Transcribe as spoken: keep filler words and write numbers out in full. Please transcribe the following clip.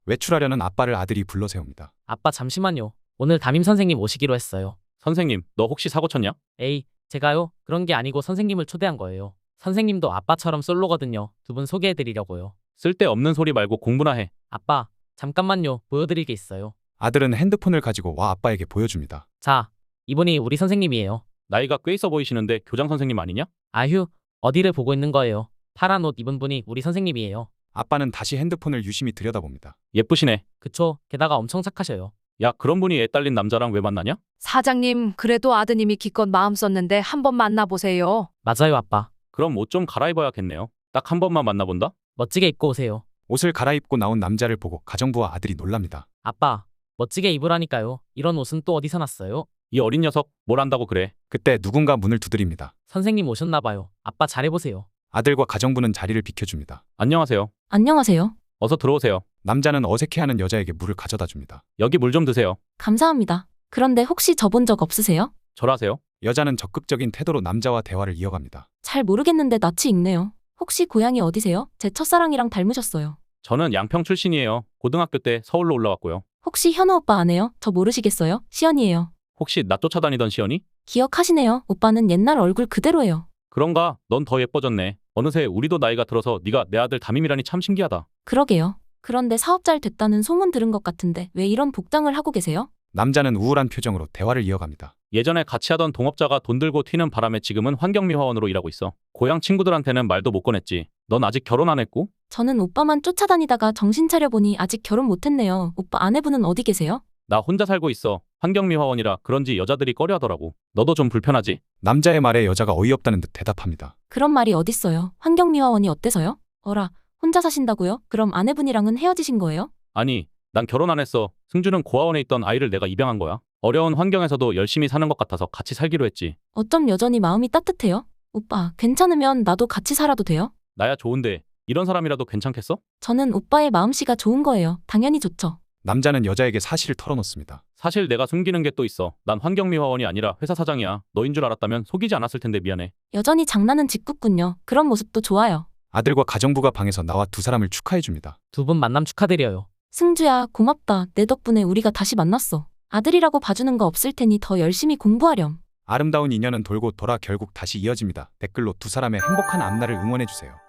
외출하려는 아빠를 아들이 불러 세웁니다. 아빠 잠시만요. 오늘 담임 선생님 오시기로 했어요. 선생님, 너 혹시 사고 쳤냐? 에이, 제가요? 그런 게 아니고 선생님을 초대한 거예요. 선생님도 아빠처럼 솔로거든요. 두 분 소개해드리려고요. 쓸데없는 소리 말고 공부나 해. 아빠, 잠깐만요. 보여드릴 게 있어요. 아들은 핸드폰을 가지고 와 아빠에게 보여줍니다. 자, 이분이 우리 선생님이에요. 나이가 꽤 있어 보이시는데 교장 선생님 아니냐? 아휴, 어디를 보고 있는 거예요? 파란 옷 입은 분이 우리 선생님이에요. 아빠는 다시 핸드폰을 유심히 들여다봅니다. 예쁘시네. 그쵸? 게다가 엄청 착하셔요. 야, 그런 분이 애 딸린 남자랑 왜 만나냐? 사장님, 그래도 아드님이 기껏 마음 썼는데 한번 만나보세요. 맞아요, 아빠. 그럼 옷 좀 갈아입어야겠네요. 딱 한 번만 만나본다? 멋지게 입고 오세요. 옷을 갈아입고 나온 남자를 보고 가정부와 아들이 놀랍니다. 아빠, 멋지게 입으라니까요. 이런 옷은 또 어디서 났어요? 이 어린 녀석, 뭘 안다고 그래? 그때 누군가 문을 두드립니다. 선생님 오셨나 봐요. 아빠 잘해보세요. 아들과 가정부는 자리를 비켜줍니다. 안녕하세요. 안녕하세요. 어서 들어오세요. 남자는 어색해하는 여자에게 물을 가져다 줍니다. 여기 물 좀 드세요. 감사합니다. 그런데 혹시 저본 적 없으세요? 절하세요. 여자는 적극적인 태도로 남자와 대화를 이어갑니다. 잘 모르겠는데 낯이 익네요. 혹시 고향이 어디세요? 제 첫사랑이랑 닮으셨어요. 저는 양평 출신이에요. 고등학교 때 서울로 올라왔고요. 혹시 현우 오빠 아네요? 저 모르시겠어요? 시연이에요. 혹시 나 쫓아다니던 시연이? 기억하시네요. 오빠는 옛날 얼굴 그대로예요. 그런가? 넌 더 예뻐졌네. 어느새 우리도 나이가 들어서 네가 내 아들 담임이라니 참 신기하다. 그러게요. 그런데 사업 잘 됐다는 소문 들은 것 같은데 왜 이런 복장을 하고 계세요? 남자는 우울한 표정으로 대화를 이어갑니다. 예전에 같이 하던 동업자가 돈 들고 튀는 바람에 지금은 환경미화원으로 일하고 있어. 고향 친구들한테는 말도 못 꺼냈지. 넌 아직 결혼 안 했고? 저는 오빠만 쫓아다니다가 정신 차려보니 아직 결혼 못했네요. 오빠 아내분은 어디 계세요? 나 혼자 살고 있어. 환경미화원이라 그런지 여자들이 꺼려하더라고. 너도 좀 불편하지? 남자의 말에 여자가 어이없다는 듯 대답합니다. 그런 말이 어딨어요. 환경미화원이 어때서요? 어라, 혼자 사신다고요? 그럼 아내분이랑은 헤어지신 거예요? 아니, 난 결혼 안 했어. 승주는 고아원에 있던 아이를 내가 입양한 거야. 어려운 환경에서도 열심히 사는 것 같아서 같이 살기로 했지. 어쩜 여전히 마음이 따뜻해요? 오빠, 괜찮으면 나도 같이 살아도 돼요? 나야 좋은데 이런 사람이라도 괜찮겠어? 저는 오빠의 마음씨가 좋은 거예요. 당연히 좋죠. 남자는 여자에게 사실을 털어놓습니다. 사실 내가 숨기는 게 또 있어. 난 환경미화원이 아니라 회사 사장이야. 너인 줄 알았다면 속이지 않았을 텐데 미안해. 여전히 장난은 짓궂군요. 그런 모습도 좋아요. 아들과 가정부가 방에서 나와 두 사람을 축하해줍니다. 두 분 만남 축하드려요. 승주야, 고맙다. 내 덕분에 우리가 다시 만났어. 아들이라고 봐주는 거 없을 테니 더 열심히 공부하렴. 아름다운 인연은 돌고 돌아 결국 다시 이어집니다. 댓글로 두 사람의 행복한 앞날을 응원해주세요.